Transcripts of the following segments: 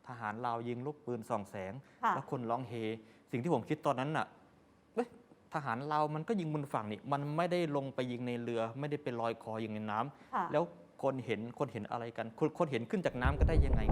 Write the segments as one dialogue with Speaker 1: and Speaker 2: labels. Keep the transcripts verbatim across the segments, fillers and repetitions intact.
Speaker 1: ทหารลาวยิงลูกปืนส่องแสง
Speaker 2: ค่ะ
Speaker 1: แล้วคนร้องเฮสิ่งที่ผมคิดตอนนั้นน่ะเอ้ยทหารลาวมันก็ยิงบนฝั่งนี่มันไม่ได้ลงไปยิงในเรือ ไม่ได้ไปลอยคอยิงในน้ำ
Speaker 2: ค่ะ
Speaker 1: แล้วคนเห็นคนเห็นอะไรกันคนคนเห็นขึ้นจากน้ำก็ได้ยังไง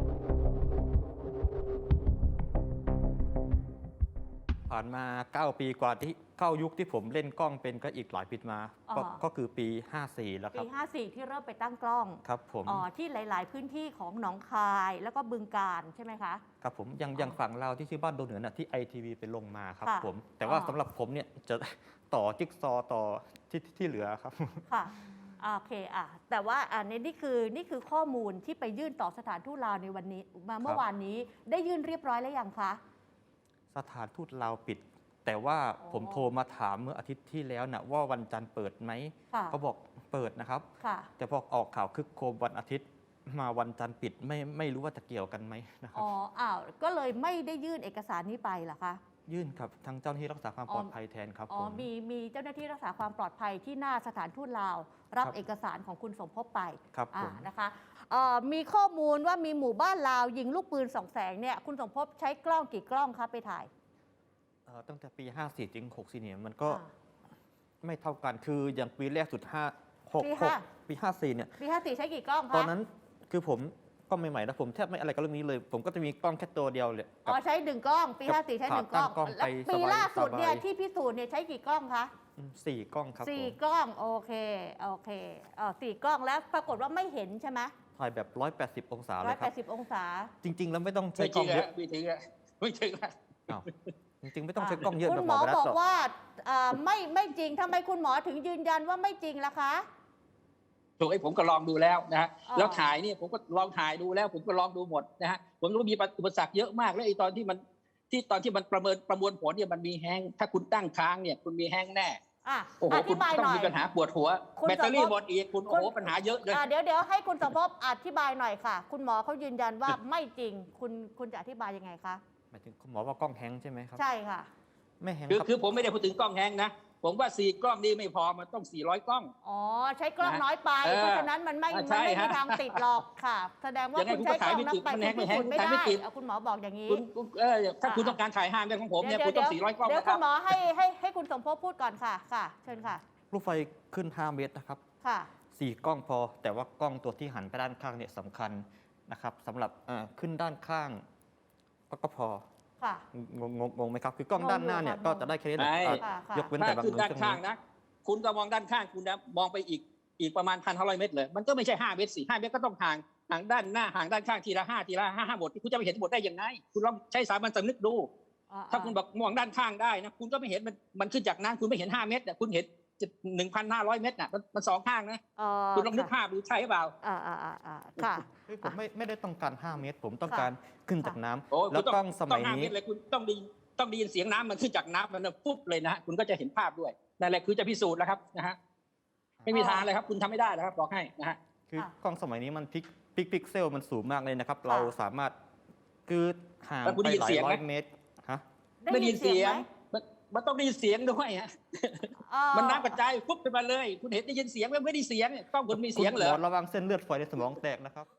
Speaker 1: ผ่านมาเก้าปีกว่าที่เข้ายุคที่ผมเล่นกล้องเป็นก็อีกหลายปีมา
Speaker 2: อ๋อ
Speaker 1: ก็ก็คือปีห้าสี่แล้วค
Speaker 2: ปี
Speaker 1: รับ
Speaker 2: ห้าสี่ที่เริ่มไปตั้งกล้อง
Speaker 1: ครับผม
Speaker 2: อ๋อที่หลาย ๆ พื้นที่ของหนองคายแล้วก็บึงกาฬใช่ไหมคะ
Speaker 1: ครับผมยัง
Speaker 2: อ๋อ
Speaker 1: ยังฝั่งเราที่ชื่อบ้านโดนเหนือน่ะที่ไอทีวีไปลงมาครับ
Speaker 2: ค่ะ
Speaker 1: ผมแต่ว่า
Speaker 2: อ๋อ
Speaker 1: สำหรับผมเนี่ยจะ ต่อจิ๊กซอว์ต่อที่ที่ที่เหลือครับ
Speaker 2: ค่ะอ่าโอเคอ่ะแต่ว่าอันนี้นี่คือนี่คือข้อมูลที่ไปยื่นต่อสถานทูตลาวในวันนี้มาเมื่อวานนี้ได้ยื่นเรียบร้อยแล้วยังคะ
Speaker 1: สถานทูตลาวปิด แต่ว่า
Speaker 2: อ๋อ
Speaker 1: ผมโทรมาถามเมื่ออาทิตย์ที่แล้วนะว่าวันจันทร์เปิดไหม
Speaker 2: ค่ะ
Speaker 1: เขาบอกเปิดนะครับ
Speaker 2: ค่ะ
Speaker 1: แต่พอออกข่าวคึกโครมวันอาทิตย์มาวันจันทร์ปิดไม่ไม่รู้ว่าจะเกี่ยวกันไหมนะครับ
Speaker 2: อ๋ออ้าวก็เลยไม่ได้ยื่นเอกสารนี้ไปเหรอคะ
Speaker 1: ยื่นครับทางเจ้าหน้าที่รักษาความ
Speaker 2: อ๋อ
Speaker 1: ปลอดภัยแทนครับ
Speaker 2: อ๋อ
Speaker 1: ผม
Speaker 2: มีมีเจ้าหน้าที่รักษาความปลอดภัยที่หน้าสถานทูตลาว รับ
Speaker 1: ครับ
Speaker 2: เอกสารของคุณสมภพไป
Speaker 1: ครับ
Speaker 2: อ่า
Speaker 1: ผม
Speaker 2: นะคะเอ่อมีข้อมูลว่ามีหมู่บ้านลาวยิงลูกปืนสองแสงเนี่ยคุณสมภพใช้กล้องกี่กล้องคะไปถ่าย
Speaker 1: เอ่อตั้งแต่ปี ห้าสี่ ถึง หกสี่ เนี่ยมันก็
Speaker 2: อ่า
Speaker 1: ไม่เท่ากันคืออย่างปีแรกสุดห้าหก
Speaker 2: ปี
Speaker 1: หก
Speaker 2: ห้า
Speaker 1: ปี ห้าสี่ เนี่ย
Speaker 2: ปีห้าสี่ใช้กี่กล้องคะ
Speaker 1: ตอนนั้นคือผมก็ใหม่ๆนะผมแทบไม่อะไรกับเรื่องนี้เลย ผมก็จะมีกล้องแค่ตัวเดียวเลย
Speaker 2: อ๋อใช้หนึ่งกล้อง ปี
Speaker 1: กับ
Speaker 2: ห้าสี่ใช้หนึ่งกล้อง
Speaker 1: ตั้งกล้อง
Speaker 2: แล้ว
Speaker 1: ไป
Speaker 2: ปี
Speaker 1: สบาย
Speaker 2: ล่าสุดเนี่ย
Speaker 1: สบาย
Speaker 2: ที่พิสูจน์เนี่ยใช้กี่กล้องคะ
Speaker 1: อืมสี่กล้องครับ
Speaker 2: สี่
Speaker 1: ผม
Speaker 2: กล้องโอเคโอเคเออสี่กล้องแล้วปรากฏว่าไม่เห็นใช่ไหม
Speaker 1: ถ่ายแบบ หนึ่งร้อยแปดสิบ องศาเล
Speaker 2: ร้อย
Speaker 1: ยค
Speaker 2: แป
Speaker 1: รับ
Speaker 2: ดสิบองศา
Speaker 1: จริง ๆ แล้วไม่ต้องใช้
Speaker 3: ไม่
Speaker 1: ก
Speaker 3: ถึ
Speaker 1: ล้อง งเย
Speaker 3: อะ
Speaker 1: อะ
Speaker 3: ไม่ถึงอะไม่ถึงอะ
Speaker 1: อ้าวจริง ๆ ไม่ต้องใช้กล้องเยอะ
Speaker 2: คุ
Speaker 1: แบ
Speaker 2: ณ
Speaker 1: บ
Speaker 2: หมอ
Speaker 1: หมอ
Speaker 2: บอก
Speaker 1: หรอก
Speaker 2: ว่าเอ่อไม่ไม่จริงทำไมคุณหมอถึงยืนยันว่าไม่จริงล่ะคะ
Speaker 3: ถูกไอ้ผมก็ลองดูแล้วนะฮะ
Speaker 2: อ๋อ
Speaker 3: แล้วถ่ายเนี่ยผมก็ลองถ่ายดูแล้ว ผมก็ลองดูหมดนะฮะผมรู้ว่ามีอุปสรรคเยอะมากแล้วไอ้ตอนที่มันที่ตอนที่มันประเมินประมวลผลเนี่ยมันมีแห้งถ้าคุณตั้งค้างเนี่ยคุณมีแห้งแน่
Speaker 2: อ่ะ
Speaker 3: โอ้โห
Speaker 2: อ
Speaker 3: คุ
Speaker 2: ธิ
Speaker 3: ณ
Speaker 2: บาย
Speaker 3: ต้อ
Speaker 2: ห
Speaker 3: ง
Speaker 2: น่อย
Speaker 3: มีปัญหาปวดหัว
Speaker 2: คุณ
Speaker 3: แบตเตอรี่
Speaker 2: สมภพ
Speaker 3: หมดอีกคุณโอ้โหปัญหาเยอะเลย
Speaker 2: อ่ะเดี๋ยวเดี๋ยวให้คุณสมภพอธิบายหน่อยค่ะ คุณหมอเขายืนยันว่าไม่จริง คุณคุณจะอธิบายยังไงคะ
Speaker 1: หมายถึงคุณหมอว่ากล้องแฮงค์ใช่ไหมครับ
Speaker 2: ใช่ค่ะ
Speaker 1: ไม่แฮงค์
Speaker 3: คือ
Speaker 1: ครับ
Speaker 3: คือผมไม่ได้พูดถึงกล้องแห้งนะผมว่าสี่กล้องนี่ไม่พอมันต้องสี่ร้อยกล้อง
Speaker 2: อ๋อใช้กล้อง
Speaker 3: นะ
Speaker 2: น้อยไป
Speaker 3: เออ
Speaker 2: เพราะฉะนั้นมันไม่
Speaker 3: อ่ะ
Speaker 2: มัน
Speaker 3: ใช่
Speaker 2: ไม่มี
Speaker 3: ฮะ
Speaker 2: ทางติดหรอกค่ะ แสดงว่า
Speaker 3: ยังไง
Speaker 2: คุณ
Speaker 3: คุณ
Speaker 2: ใช้
Speaker 3: ก็
Speaker 2: กล้
Speaker 3: ถ่า
Speaker 2: อย ง
Speaker 3: ไม่
Speaker 2: นับ
Speaker 3: ติด
Speaker 2: ไป
Speaker 3: มัน
Speaker 2: คุณ
Speaker 3: แฮง
Speaker 2: พิสูจน์ไม่
Speaker 3: มันแฮง
Speaker 2: ได้
Speaker 3: ไม่ติด
Speaker 2: เอาคุณหมอบอกอย่างนี้
Speaker 3: คุณคุณเออถ้าคุณต้องการถ่ายห้าเมตรของผมเนี่ยคุณต้องสี่ร้อยกล้อง
Speaker 2: เดี๋ยว
Speaker 3: นะค
Speaker 2: คุ
Speaker 3: รับ
Speaker 2: ณหมอให้ให้ให้คุณสมภพพูดก่อนค่ะค่ะ เชิญค่ะ
Speaker 1: ลูกไฟขึ้น ห้า เมตรนะครับ
Speaker 2: ค่ะ
Speaker 1: สี่กล้องพอ แต่ว่ากล้องตัวที่หันไปด้านข้างเนี่ยสำคัญนะครับสำหรับเอ่อขึ้นด้านข้างก็ก็พอ
Speaker 2: ค่ะ
Speaker 1: งงงงงไหมครับ คือกล้อง
Speaker 2: งง
Speaker 1: ด้านหน้าเนี่ย
Speaker 2: อยู่ค่ะ
Speaker 1: ก็จะได้แค่นี้แหละ
Speaker 3: ไม่
Speaker 1: เอ่อ
Speaker 2: ค่ะค่ะ
Speaker 1: ยกเว้น
Speaker 3: ถ้า
Speaker 1: แต่บาง
Speaker 3: ขึ้น
Speaker 1: มือ
Speaker 3: ด้าน
Speaker 1: เครื่อง
Speaker 3: ข้าง
Speaker 1: นี้
Speaker 3: นะ คุณก็มองด้านข้างคุณนะมองไปอีกอีกประมาณพันห้าร้อยเมตรเลย มันก็ไม่ใช่ห้าเมตรสี่ห้าเมตรก็ต้องห่างห่างด้านหน้าห่างด้านข้างทีละห้าทีละห้าห้าหมดคุณจะไปเห็นหมดได้ยังไงคุณลองใช้สามัญสำนึกดู
Speaker 2: อ่า
Speaker 3: ถ้าคุณบอกมองด้านข้างได้นะคุณก็ไม่เห็นมันมันขึ้นจากน้ำคุณไม่เห็นห้าเมตรแต่คุณเห็นหนึ่งพันห้าร้อยเมตรน่ะมันมันสองข้างนะ
Speaker 2: เอ่อ
Speaker 3: คุณลองนึกภาพดูใช่หรือเปล่า
Speaker 2: อ่าอ่าอ่าอ่าค่ะ
Speaker 1: เฮ้ยผมไม่ไม่ได้ต้องการ ห้า เมตร ผมต้อง
Speaker 2: ค่ะ
Speaker 1: การขึ้นจาก
Speaker 2: ค่ะ
Speaker 1: น้ำ
Speaker 3: โอ้
Speaker 1: แล้ว
Speaker 3: คุณ
Speaker 1: กล้องสมัย
Speaker 3: ต้ห้า
Speaker 1: นี้
Speaker 3: เมตรเลยคุณต้องไดีต้องไดียินเสียงน้ำมันขึ้นจากน้ำมันปุ๊บเลยนะฮะคุณก็จะเห็นภาพด้วยนั่นแหละคือจะพิสูจน์แล้วครับนะฮะไม่มีทางเลยครับ คุณทำไม่ได้นะครับบอกให้นะฮะ
Speaker 1: คือ
Speaker 2: ค่ะ
Speaker 1: กล้องสมัยนี้มันพิกพิกพิกเซลมันสูงมากเลยนะครับ
Speaker 2: ค่ะ
Speaker 1: เราสามารถคือห่าง
Speaker 3: แล้วคุณ
Speaker 1: ไป
Speaker 3: ได้ยิน
Speaker 1: หลา
Speaker 3: เสี
Speaker 1: ย
Speaker 3: ยง
Speaker 1: ร้
Speaker 3: ไห
Speaker 1: อ
Speaker 3: ม
Speaker 1: ยเมตรฮะ
Speaker 3: ได้ยินเสียง
Speaker 2: ไหม
Speaker 3: มันมันต้องได้ยินเสียงด้วยฮะ
Speaker 2: เอ่อ
Speaker 3: มันน้ำกระจายปุ๊บขึ้นมาเลย คุณเห็นได้ยินเสียงไหมไม่ได้ยินเสียงกล้องคุณมีเสียงเหร
Speaker 1: คุณ
Speaker 3: อ
Speaker 1: หมอระวังเส้นเลือดฝอยในสมองแตกนะครับ